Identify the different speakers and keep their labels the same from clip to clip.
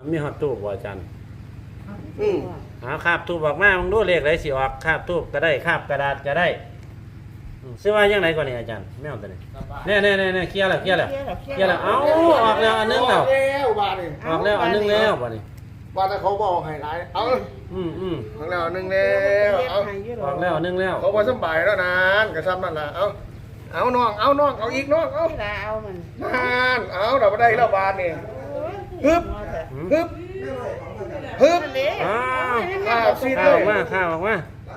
Speaker 1: มีฮอตทูบบ่อาจารย์
Speaker 2: อืม
Speaker 1: หาคาบทูบออกมามึงดูเลขไรสิออกคาบทูบก็ได้คาบกระดาษก็ได้ซื้อว่ายังไงก่อนนี่อาจารย์ไม่เอาตัวนี้เนี่ยเคลียร์แล้วเอ้าออกแล้วอันนึงแล้ว
Speaker 2: บาทนี่
Speaker 1: ออกแล้วอันนึงแล้วบ่นี่
Speaker 2: บาทแต่เขาบอกให้หลายเอา
Speaker 1: อืม
Speaker 2: ออกแล้วอันหนึงแล้วเอา
Speaker 1: ออกแล้วอันนึงแล้ว
Speaker 2: เขาบ่สบายแล้วนานกระซ้ำนั่นล่ะเอาน้องเอาอีกน้องเอา
Speaker 3: เวลาเอามัน
Speaker 2: นานเอาเราบ่ได้แล้วบาทนี่ฮึบฮึบฮึบ
Speaker 1: อ้าว
Speaker 2: ข้าวซีด
Speaker 1: ข้า
Speaker 2: เล
Speaker 1: วย ข้าวออกมา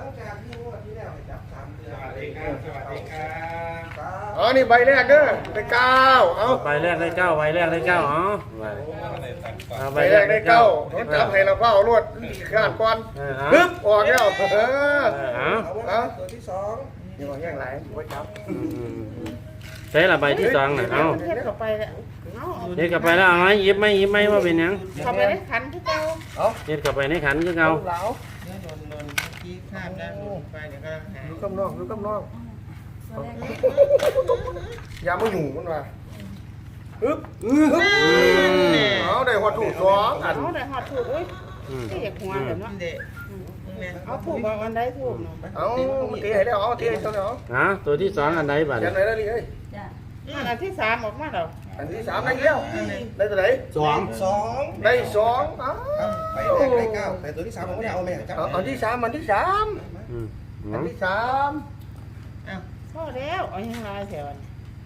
Speaker 2: อ๋อนี่ใบแรกเด้อได้เก้าเอา
Speaker 1: ใบแรกได้เก้าใบแรกได้เก้าอ๋อเอา
Speaker 2: ใบแรกได้เก้าเขาจับให้เราเฝ้ารวดข้านก่อนฮึบออกแล้ว
Speaker 1: เอา
Speaker 2: เอาตัวที่สองนี่ว่าแย่งไรไว้จับ
Speaker 1: ใช้ละใบที่สองน่ะเอา
Speaker 3: เทียบเข้าไปแล้วเอา
Speaker 1: เฮ็ดกลับไปแล้วเอาไหมหยิบไหมว่าเป็นหยัง
Speaker 3: เข้าไปในขันที่เก่า
Speaker 1: เฮ็ดกลับไปในขันคือเก่า
Speaker 2: เหลา
Speaker 3: ที่ข้ามแล้วไปเดี๋ยวก็หา
Speaker 2: ดูกำนองดูกำนองอย่ามาอยู่มันว่าฮึบฮึบเอาได้หัวถูกสองอัน
Speaker 3: เอาได้หอดถูกอุ้ยที่อยากหัวแบบนั้นเอาถูกอันใดถูกเนาะ
Speaker 2: เอาเทให้แล้วเอาเทให้เท่านั้น
Speaker 1: ฮะตัวที่สองอันใดบัด
Speaker 2: ยันไหนแล้วนี่เอ้ย
Speaker 3: อันที่สามออกมาแล้ว
Speaker 2: อันที่สามได้แล้วได้ตัวไหน
Speaker 4: สอง
Speaker 2: ได้สองอ้า
Speaker 4: ไปแรกได้เก้าแต่ตัวที่สามผมไม่ได้เอาแม่จับ
Speaker 2: อันที่สามอันที่สาม
Speaker 1: อืม
Speaker 2: อันที่สาม
Speaker 3: พอแล้วเอายังไงแถว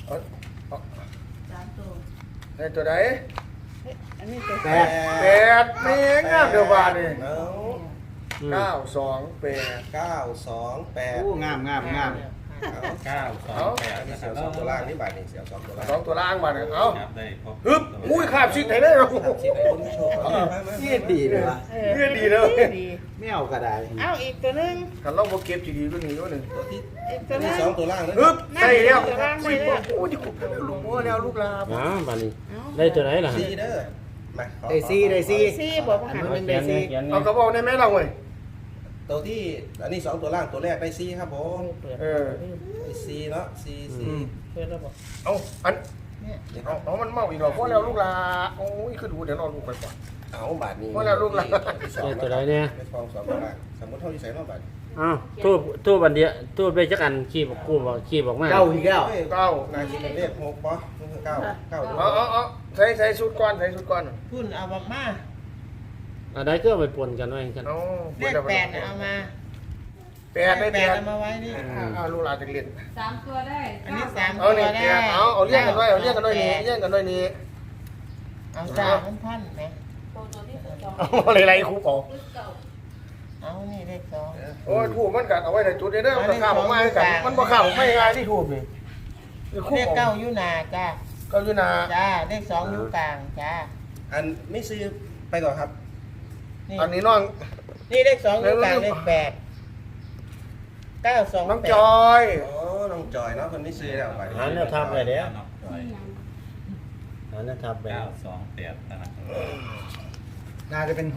Speaker 2: ได้ตัวไหน
Speaker 3: อันนี้ตัว
Speaker 4: แป
Speaker 2: แปดเมงอ่ะเดี๋ยวบาทนี่
Speaker 4: เอา
Speaker 2: เก้าสองแปด
Speaker 4: เก้าสองแปด
Speaker 5: งาม
Speaker 4: เก้าสองแปดนี่เสียวสองตัวล่างนี่บาทนี่เสียวสองตัวล่าง
Speaker 2: สองตัวล่างบาทนี่เอา
Speaker 5: ครับได้ครบ
Speaker 2: ฮึบอุ้ยขาบชิดไหนได้หรอ
Speaker 4: ที่ไหนคุณผู้ชม
Speaker 5: เยี่ยดีเลยวะ
Speaker 3: ดี
Speaker 5: ไม่เอาก็ได้
Speaker 3: เอาอีกตัวนึง
Speaker 2: กันเราโมเก็บจีดีตัวนี้ตัวหนึ่ง
Speaker 4: ตัวที่
Speaker 3: อีกตัวนึ
Speaker 4: ที่
Speaker 3: ง
Speaker 4: สองตัวล่างนะ
Speaker 2: ฮึบใช่แล้ว
Speaker 3: ตัวล่าง
Speaker 2: อุ้ย
Speaker 3: ได้แล้ว
Speaker 2: โอ้ยลูกโอ้แล้วลูกลา
Speaker 1: อ๋อบัดนี้ได้ตัวไหนล่ะ
Speaker 4: ซีเด้อมา
Speaker 5: ได้ซี
Speaker 3: ซี่บอกว่าหัน
Speaker 1: เขียนนี่เขียน
Speaker 2: เอา
Speaker 1: นี่
Speaker 2: กระบอกได้ไหมเราเว้ย
Speaker 4: ตัวที่อันนี้สองตัวล่างตัวแรกได้ซีครับผม
Speaker 2: เออ
Speaker 4: ได้ซีเนาะซี
Speaker 3: เปิดแล้วบอก
Speaker 2: เอาอัน
Speaker 3: เนี่ย
Speaker 2: เอามันเมาอีกหรอเพราะแล้วลูกลาโอ้ยคือดูเดี๋ยวนอนลูกไปก่อน
Speaker 4: เอาบาทนี้
Speaker 1: ได้ตัวไหนเนี่ย
Speaker 4: ได้ฟองสองตัวล่างสมมติเท่าที่ใส่รอบบาท
Speaker 1: อ้าวทูบอันเดียวทูบไปจักอันขี้บอกกูบอกขี้บอกมา
Speaker 5: เก้าอีกแล้ว
Speaker 2: เก้า
Speaker 4: นาทีเป็นเลขหกปะเก้าเก้า
Speaker 2: เอาใส่ชุดก้อนใส่ชุดก้อน
Speaker 3: พุ่นเอาบอกมา
Speaker 1: อันใดก็เอาไปปนกันไว้กัน
Speaker 2: เอา
Speaker 3: เลขแปดเอามา
Speaker 2: แปดได้แปด
Speaker 3: เอามาไว้นี่
Speaker 2: เอาลูกลาจะเรียน
Speaker 6: สามตัวได้
Speaker 3: อันนี้สาม
Speaker 2: เอา
Speaker 3: ตัว
Speaker 2: เนี่ย
Speaker 3: ได้
Speaker 2: เอาเรียกกันด้วยเอาเรียกกันด้วยนี่เรียกกันด้วยนี่
Speaker 3: เอาจ้าพันไหม
Speaker 6: ตัวที่สอง
Speaker 2: เอาอะไรครูปอ
Speaker 6: เก่า
Speaker 3: เอานี่เลขสอง
Speaker 2: โอ้ยถูกมันกัดเอาไว้ในจุดนี้เด้อมันข้าวออกมาให้กันมันบ่ข้าวไม่ง่ายที่ถูกนี่
Speaker 3: เลขเก้าอยู่หนาจ้า
Speaker 2: เก้าอยู่นา
Speaker 3: จ้าเลขสองอยู่กลางจ้า
Speaker 4: อันไม่ซื้อไปก่อนครับ
Speaker 3: นี่
Speaker 2: อันนี้น้อง
Speaker 3: นี่เลขสองอยู่กลางเลขแปดเก้าสอง
Speaker 2: น้อง
Speaker 3: แปด
Speaker 2: จอย
Speaker 4: โอ้น้องจอยเนาะคนไม่ซื้อแล้วไป
Speaker 1: หาแนวทับไปเด้อหาแนวทับไป
Speaker 5: 928นะครับ
Speaker 7: น่าจะเป็น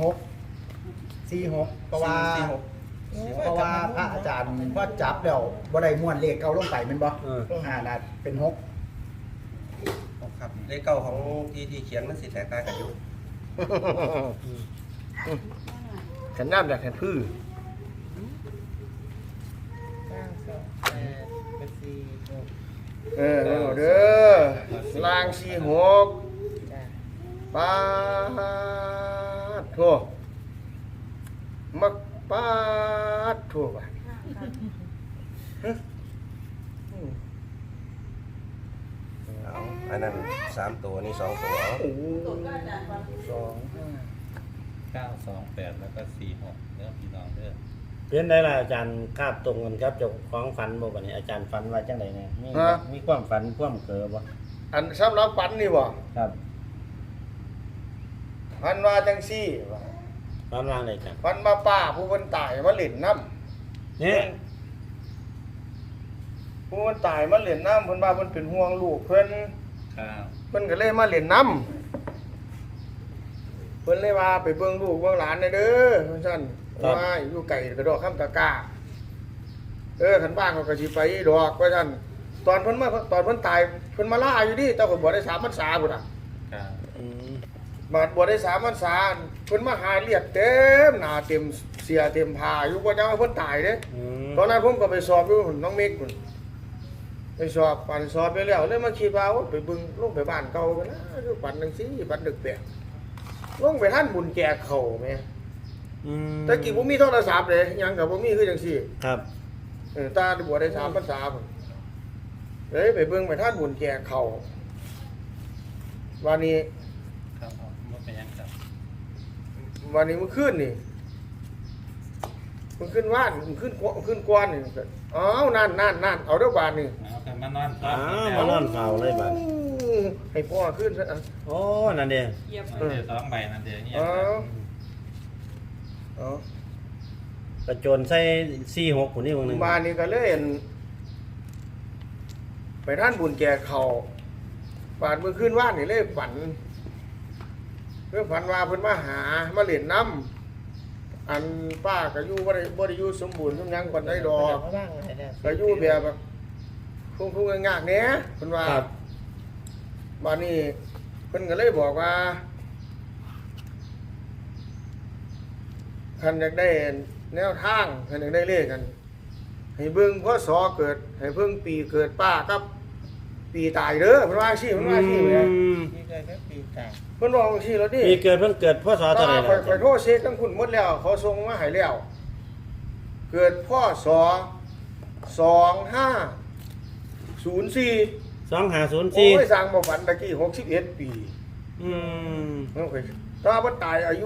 Speaker 7: 6 4 6เพราะว่าพระอาจารย์ว่าจับแล้วบ่ได้ม้วนเลขเก่าลงไปแม่นบ่น่าเป็น6
Speaker 4: ครับเลขเก้าของที่เขียนมันสิแตกต่างกันอยู่
Speaker 2: ขันน้ำอยากเห็นพื้น
Speaker 3: เก้าสองแปดเป็นสี่หก
Speaker 2: เออเด้อลางสี่หก
Speaker 3: จ้า
Speaker 2: ปาดโถมักปาดโถว่ะ
Speaker 4: อันนั้นสามตัวนี่สองตัว
Speaker 2: โอ้
Speaker 6: ตัวก็อาจารย์ฟัง
Speaker 2: สอง
Speaker 5: 928แล้วก็46เด้อพี่น้องเด้อ
Speaker 1: เพี้ยนได้ละอาจารย์คาบตรงกันครับเจ้าของฝันบ่บัดนี้อาจารย์ฝันว่าจังไดเนี่ยมีความฝันความเกอบ่
Speaker 2: อันสำหรับปันนี่บ่
Speaker 1: ครับ
Speaker 2: พันว่าจังซี่ว่ะ
Speaker 1: ฝันว่าอะไรกัน
Speaker 2: พันมาป้าผู้คนตายมาเล่นน้
Speaker 1: นี่
Speaker 2: ำผู้คนตายมาเล่นน้ำเพิ่นว่าเพิ่นเป็นห่วงลูกเพิ่น
Speaker 5: ครับ
Speaker 2: เพิ่นก็เลยมาเล่นน้ำเพิ่นเลยว่าไปเบิ่งลูกเบิ่งหลานหน่อยเด้อเพิ่นซั่นว่าอยู่ไกลกระดอกคำตะกร้าคันบ้านเขาก็สิไปดอกว่าซั่นตอนเพิ่นตายเพิ่นมาล่าอยู่ดิแต่ก็บ่ได้3 พรรษาพุ่นน่ะ
Speaker 5: ครับ
Speaker 1: อืม
Speaker 2: บาดบวชได้3 พรรษาเพิ่นมาหาเลียดเต็มหน้าเต็มเสียเต็มผ้าอยู่บ่จังว่าเพิ่นตายเด้
Speaker 1: อืม
Speaker 2: ตอนนั้นผมก็ไปสอบอยู่น้องเมฆพุ่นไปสอบปั่นสอบไปแล้วเลยมาคิดว่าโอ้ไปเบิ่งลงไปบ้านเก่ากันนะอยู่ปั่นจังซี่ปั่นดึกแปลกลงไปท่านบุญแจกข้าวแม่
Speaker 1: อืม
Speaker 2: แต่กี้บ่มีโทรศัพท์เลยหยังก็บ่มีคือจังซี่
Speaker 1: ครับ
Speaker 2: ตาบวชได้3 พรรษาพุ่นเลยไปเบิ่งไปท่านบุญแจกข้าววันนี้
Speaker 5: ครับผมว่าเป็นยังครับ
Speaker 2: วันนี้มันขึ้นนี่มันขึ้นว่านมันขึ้นกวนนี่อ้าวนั่นเอาเด้อบาทนี่
Speaker 5: เอากันมานอน
Speaker 1: อ้าวมานอนเฝ้าเลยบัด
Speaker 2: ให้พ่อขึ้นซะอ่ะ
Speaker 1: โอ้นั่นเด้
Speaker 6: เหยียบ
Speaker 5: เดี๋ยว2 ใบนั่นเดี๋ยวเงียบ
Speaker 2: เอา
Speaker 1: กระโจนใส่46คนนี้วงหนึง
Speaker 2: บ้านนี้ก็เลยเห็นไปท่านบุญแจกเขาบาดมือขึ้นว่านนี่เลยฝันเพื่อฝันว่าเพิ่นมาหามาเล่นน้ำอันป้าก็อยู่บ่ได้อยู่สมบูรณ์ทุกอย่างปานใดดอกก็อยู่แบบทุ่งๆงากๆแหน่เพิ่นว่า
Speaker 1: ครับ
Speaker 2: บ้านนี้เพิ่นก็เลยบอกว่าคันอยากได้แนวทางคันอยากได้เลขกัน ให้เบิ่งพศเกิดให้เพิ่งปีเกิดป้ากับปีตายเด้อเพิ่นว่าซี่เพิ่นว่าซี่แหม
Speaker 1: อืม
Speaker 2: เพิ่นบอกซี่แล้วดิ
Speaker 1: ปีเกิดเพิ่งเกิดพศเท่าไหร่
Speaker 2: ข่
Speaker 1: ล่ะ
Speaker 2: อยโทรเช็คทั้งคุณหมดแล้วเขาส่งมาให้แล้ว เกิดพศ2504
Speaker 1: 2504
Speaker 2: โอ้ยสร้างบ่ฝันตะกี้61 ปี
Speaker 1: อืม
Speaker 2: โอ้ยถ้าบ่ตายอายุ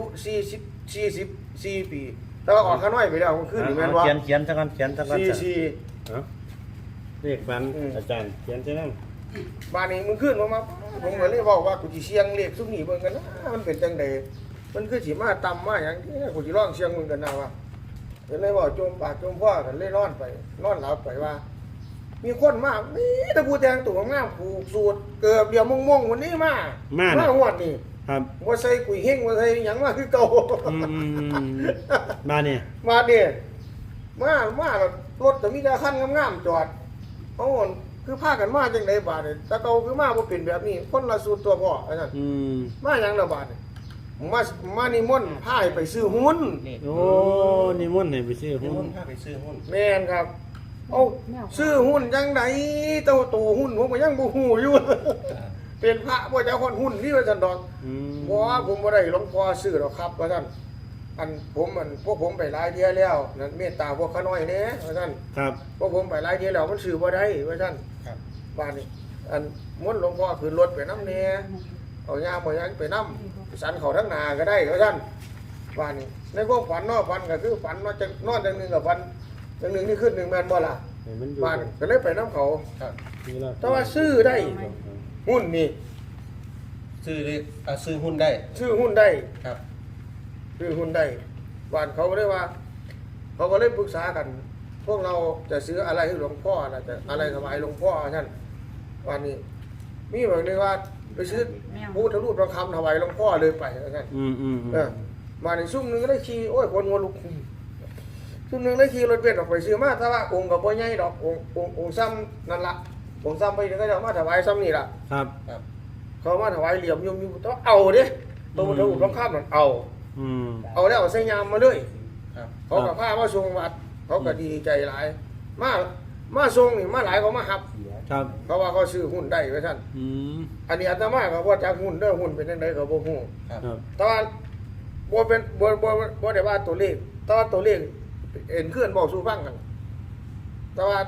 Speaker 2: 44 ปีแต่ว่าออกข้างน้อยไปแล้วมันขึ้นนี่แม่นบ่
Speaker 1: เขียนซะก่อนเขียนซะก่อน
Speaker 2: 44
Speaker 1: เอ้าเลขฝัน
Speaker 2: อืม
Speaker 1: อาจารย์เขียนซะนำ
Speaker 2: บ้านนี้มันขึ้นมาผมก็เลยบอกว่ากูสิเสียงเลขซุมนี้เบิ่งกันนะมันเป็นจังไดมันคือสิมาต่ำมาหยังที่กูสิลองเสียงเบิ่งกันนะว่าก็เลยบอกโจมปากโจมพ่อกันเลยนอนหลับไปว่า มีคนมานี่ตะปูแดงตัวงามผูกสูตรเกือบเดียวม่วงๆวันนี้มาหวดนี่
Speaker 1: ครับ
Speaker 2: บ่ใส่กุยเฮงบ่ใส่หยังมาคือเก่า
Speaker 1: อืมมาเนี่ย
Speaker 2: มาเด้มารถก็มีแต่คันงามๆจอดเอ้าคือพากันมาจังไดบาดนี่ตะเก่าคือมาบ่เป็นแบบนี้คนละสูตรตัวพ่อว่าซั่น
Speaker 1: อืม
Speaker 2: มาหยังละบาดนี่มานิมนต์พาให้ไปซื้อหุ้น
Speaker 1: โอ้นิมนต์ให้ไปซื้อ
Speaker 4: นี่
Speaker 1: หุ้
Speaker 4: มัน นพาไปซื้อหุ้น
Speaker 2: แม่นครับเอาซื้อหุ้นจังไดเต้าตัวหุ้นผมก็ยังบ่ฮู้อยู่ เป็นพระบ่เจ้าคนหุ้นนี่ว่าซั่นดอก
Speaker 1: อืม
Speaker 2: บ่ผมบ่ได้หลวงพ่อซื้อหรอกครับว่าซั่นพวกผมไปหลายเที่ยแล้วนั่นเมตตาพวกขาน้อยแหน่ว่าซั่น
Speaker 1: ครับ
Speaker 2: พวกผมไปหลายเที่ยแล้วมันซื้อบ่ได้ว่าซั่น
Speaker 4: ครับ
Speaker 2: บ้านนี้อันมนต์หลวงพ่อขึ้นรถไปนำแหน่เอายามบ่ยังไปนำสันเขาทั้งหน้าก็ได้ว่าซั่นบ้านนี้ในความฝันเนาะฝันก็คือฝันว่าจะนอนจังหนึงกับฝันจังหนึงนี่ขึ้นหนึงแม่นบ่ล่ะ
Speaker 1: ให้มันอยู่
Speaker 2: บ้านก็เลยไปนำเขา
Speaker 4: ครับ
Speaker 1: นี่ล่ะ
Speaker 2: แต่ว่าซื้อได้หุ้นนี่
Speaker 4: ซื้อเลขซื้อหุ้นได้
Speaker 2: ซื้อหุ้นได้
Speaker 4: ครับ
Speaker 2: ซื้อหุ้นได้บ้านเขาก็เลยว่า เขาก็เลยปรึกษากัน พวกเราจะซื้ออะไรให้หลวงพ่อนะจะอะไรถวายหลวงพ่อท่านวันนี้ มีแบบนี้ว่าไปซื้อพุทธรูปทองคำถวายหลวงพ่อเลยไปท่าน
Speaker 1: อืม
Speaker 2: มาในซุ่มหนึงก็ได้ขี่โอ้ยคนหัวลุกซุ่มหนึงได้ขี่รถเบนซ์ออกไปซื้อมาถ้าว่าองค์กับพ่อใหญ่ดอกองค์ซ้ำนั่นละองค์ซ้ำไปก็จะเอามาถวายซ้ำนี่ล่ะ
Speaker 1: ครับ
Speaker 4: ครับ
Speaker 2: เขามาถวายเหลี่ยมยมอยู่ต้องเอาเด้ตัวพุทธรูปทองคำนั่นเอา
Speaker 1: อืม
Speaker 2: เอาแล้วเอาใส่ยามมาเลย
Speaker 4: ครับ
Speaker 2: เขากับผ้ามาส่งวัด เขาก็ดีใจหลาย มาส่งนี่มาหลายเขามาหับ
Speaker 1: ครับ
Speaker 2: เพราะว่าเขาซื้อหุ้นได้ไว้ท่าน
Speaker 1: อืม
Speaker 2: อันนี้อาตมาก็ว่าจากหุ้นเด้อหุ้นเป็นจังไดก็บ่ฮู้
Speaker 4: ครับ
Speaker 1: ครับ
Speaker 2: แต่ว่าบ่เป็นบ่ได้ว่าตัวเลขแต่ว่าตัวเลขเอ็นเคลื่อนบอกสู่ฟังกัน แต่ว่า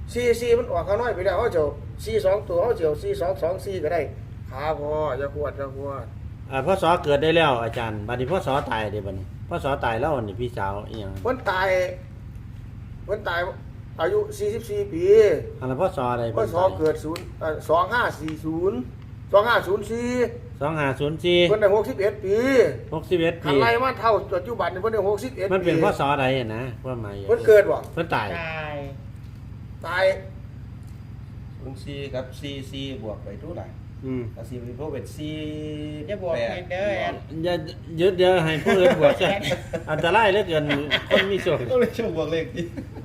Speaker 2: 44มันออกข้างน้อยไปแล้วเขาเจ้า42ตัวเขาเจ้า4224ก็ได้ขาพออย่าขวด
Speaker 1: พ่อสอเกิดได้แล้วอาจารย์บัดนี้พ่อสอตายเด้บัดนี้พ่อสอตายแล้วนี่พี่สาวอีหยัง
Speaker 2: เพิ่นตายอายุ44ปี
Speaker 1: อันนั้นพ่อสออะไร
Speaker 2: พศเกิด2504
Speaker 1: 2504
Speaker 2: เพิ่นได้61 ปี
Speaker 1: 61
Speaker 2: คั
Speaker 1: ปี
Speaker 2: นไล่มาเท่าปัจจุบันนี่เพิ่นได้61 ปี
Speaker 1: มันเป็นพ่อสอใดนะว่าหมาย
Speaker 2: เพิ่นเกิดบ่
Speaker 1: เพิ่นตาย
Speaker 2: ตาย
Speaker 4: หุ้นซีกับซีบวกไปเท่าไหร่
Speaker 1: อืม
Speaker 4: ซีเป็นพวกเป็นซี
Speaker 3: จะบอกให้เด้อ
Speaker 1: อย่ายึดเดี๋ยวให้ผู้อื่นบวกซะอันตรายเหลือเกินคนมีโชค
Speaker 4: ก็เลยช่วงบวกเลขที่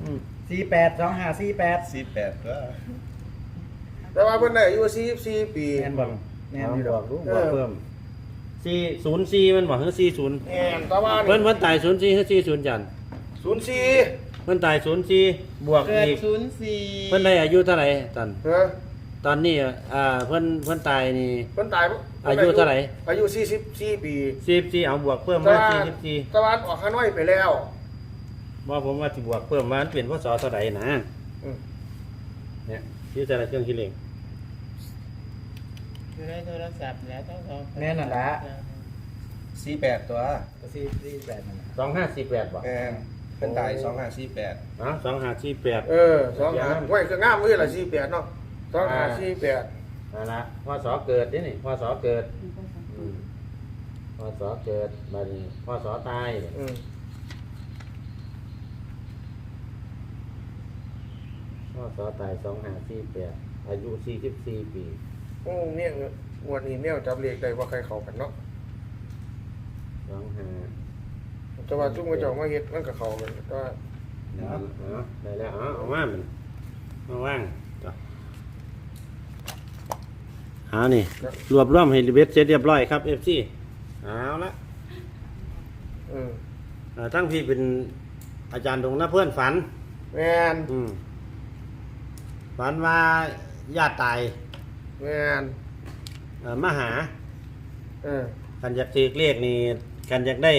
Speaker 7: 482548
Speaker 4: 48ก็
Speaker 2: แต่ว่าเพิ่นได้อายุ44 ปี
Speaker 7: แม่นบ่แม่นอยู่ดอก
Speaker 1: บอกเพิ่ม 404มันบ่คือ40
Speaker 2: แม่นตะวัน
Speaker 1: เพิ่นตาย04คือ40จัน
Speaker 2: 04
Speaker 1: เพิ่นตาย04บวก
Speaker 3: เกิด
Speaker 1: อีก
Speaker 3: 04
Speaker 1: เพิ่นได้อายุเท่าไหร่ตอน
Speaker 2: เฮ้อ
Speaker 1: ตอนนี้เพิ่นตายนี่
Speaker 2: เพิ่นตาย
Speaker 1: อายุเท่าไหร่
Speaker 2: อายุ44 ปี
Speaker 1: 44เอาบวกเพิ่ม
Speaker 2: ตะ
Speaker 1: มา
Speaker 2: วัน
Speaker 1: 44
Speaker 2: ตะวันออกข้างน้อยไปแล้ว
Speaker 1: บ่ผมว่าสิบวกเพิ่มมามันเปลี่ยนพศเท่าใดนะ
Speaker 2: อืม
Speaker 1: เนี่ยอยู่แต่ละเครื่องคิดเลข
Speaker 3: อยู่ในโทรศัพท์แล้วต้องเอา
Speaker 7: แม่นั่นแหละ
Speaker 4: 48ตัว
Speaker 7: ก็48นั่นแหละ
Speaker 1: 2548บ่
Speaker 4: แม่นเพิ่นตาย2548
Speaker 1: อ๋อ2548
Speaker 2: 25ห้วยคืองามมื้อละ48เนาะ2548
Speaker 1: นั่นล่ะพศเกิดนี่นี่พศเกิดพศเกิดบัดนี้พศตายนี่
Speaker 2: อืม
Speaker 1: พศตาย2548อายุ44ปี
Speaker 2: โอ้เนี่ยงวดนี้แมวจับเลขได้ว่าใครเข้ากันเนาะ
Speaker 1: 25
Speaker 2: แต่ว่าจุ่มกระเจ้ามาเฮ็ดมันก็เข้ากันก็
Speaker 1: ได้แล้วเอามามันมาว่างจ้ะเอานี่รวบรวมให้เบ็ดเสร็จเรียบร้อยครับ FC เอาละ
Speaker 2: อืม
Speaker 1: ทั้งพี่เป็นอาจารย์ดงนะเพื่อนฝัน
Speaker 2: แม่น
Speaker 1: ฝันว่าญาติตาย
Speaker 2: แม่น
Speaker 1: มาหา กันอยากถือเลขนี่กันอยากได้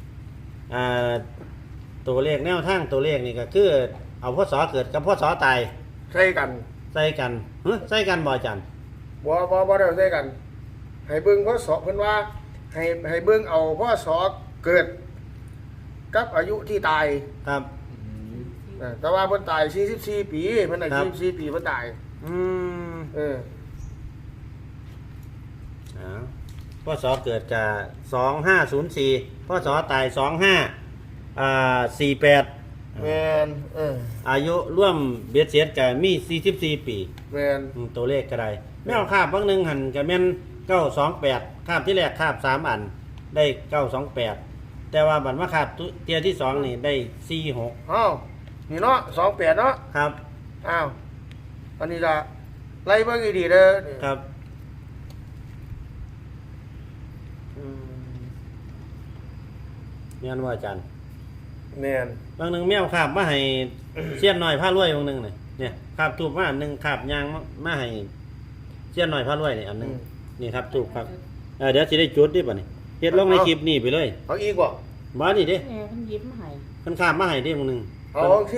Speaker 1: ตัวเลขแนวทางตัวเลขนี่ก็คือเอาพศเกิดกับพศตาย
Speaker 2: ใส่กัน
Speaker 1: ใส่กันใส่กันบ่อาจารย์
Speaker 2: บ่ได้ใส่กัน ให้เบิ่งพศเพิ่นว่าให้เบิ่งเอาพศเกิด กับอายุที่ตาย
Speaker 1: ครับ
Speaker 2: แต่ว่าเพิ่นตาย44ปีเพิ่นได้44ปีเพิ่นตาย
Speaker 1: อืม พศเกิดจะ2504พศตาย48
Speaker 2: แม่น
Speaker 1: อายุร่วมเบียดเสียดกับมี44ปี
Speaker 2: แม่น
Speaker 1: ตัวเลขก็ได้แมวคาบบางหนึงหันกับแม่น928คาบที่แรกคาบ3อันได้928แต่ว่าบัดมาคาบเตียที่2นี่ได้46
Speaker 2: อ้าวนี่เนาะ28เนาะ
Speaker 1: ครับ
Speaker 2: อ้าวอันนี้ล่ะไล่เบิ่งให้ดีเด้อ
Speaker 1: ครับแม่นว่าอาจารย์
Speaker 2: แม่น
Speaker 1: บางหนึงแมวคาบมาให้ เสี้ยนหน่อยผ้ารวยบางหนึงนี่เนี่ยคาบทูบมาอันหนึงคาบยางมาให้เสี้ยนหน่อยผ้ารวยนี่อันหนึงนี่ครับทูบครับเดี๋ยวสิได้จุดดิบัดนี้เฮ็ดลงในคลิปนี่ไปเลย
Speaker 2: เอาอีกบ่
Speaker 1: บ่นี่เด้
Speaker 3: แม่เพิ่นหยิบมาให้
Speaker 1: เพิ่นคาบมาให้เด้บางหนึง
Speaker 2: เอาสิ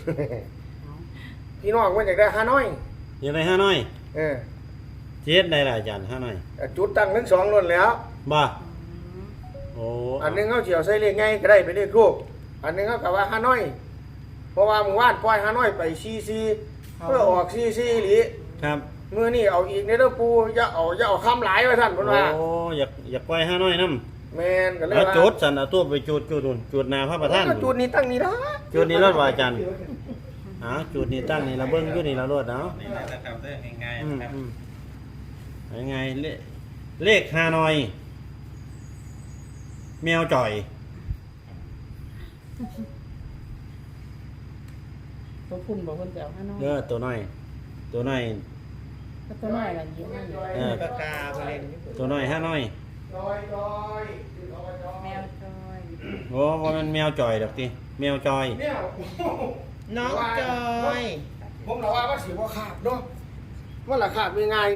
Speaker 2: พี่น้องมันอยากได้ฮานอย
Speaker 1: ยังไงห้าน้อย
Speaker 2: เออ
Speaker 1: สิเฮ็ดได้ล่ะอาจารย์ห้าน้อย
Speaker 2: จุดตั้งทั้งสองล้วนแล้ว
Speaker 1: บ่โอ้
Speaker 2: อันหนึงเขาเฉียวใส่เลขไงก็ได้ไปเลขรูปอันหนึงเขากะว่าฮานอย เพราะว่าหมู่บ้านปล่อยฮานอยไปซีเพื่อออกซีหลี
Speaker 1: ครับ
Speaker 2: มื้อนี้เอาอีกในเด้อปูอย่าเอาคำหลายว่าซั่นเพิ่นว่า
Speaker 1: โอ้อยากปล่อยห้าน้อยนำ
Speaker 2: แม่นก็เลย
Speaker 1: แล้ว
Speaker 2: ว่า
Speaker 1: จุดสั่นเอาตัวไปจุดนู่นจุดหน้าพระประธาน
Speaker 2: ก็จุดนี้ตั้งนี้นะ
Speaker 1: จุดนี้รถว่าอาจารย์จุดนี้ตั้งนี่ละเบิ่งอยู่นี่ละรถเนาะ
Speaker 5: นี่แหละนะครับเรื่องง่าย
Speaker 1: อื
Speaker 5: ๆ
Speaker 1: ม
Speaker 5: นะครับ
Speaker 1: อืมยังไงเลขห้าน้อย แมวจ่อย
Speaker 3: ตัวคุณบอกเพิ่นจะเอาให้น้อย
Speaker 1: ตัวน้อย
Speaker 3: ก็ตัวน้อยล่ะหยิบมาอยู่
Speaker 7: ปากกาไปเล่น
Speaker 1: ตัวน้อยห้าน้อย
Speaker 2: จอย
Speaker 6: แมวจอย
Speaker 1: โอ้ว่ามันแมวจ่อยดอกติแมวจอย
Speaker 2: เนี่ย
Speaker 3: น้องจอย
Speaker 2: ผมเราว่ามันสิบ่ขาดเนาะมันละขาดง่าย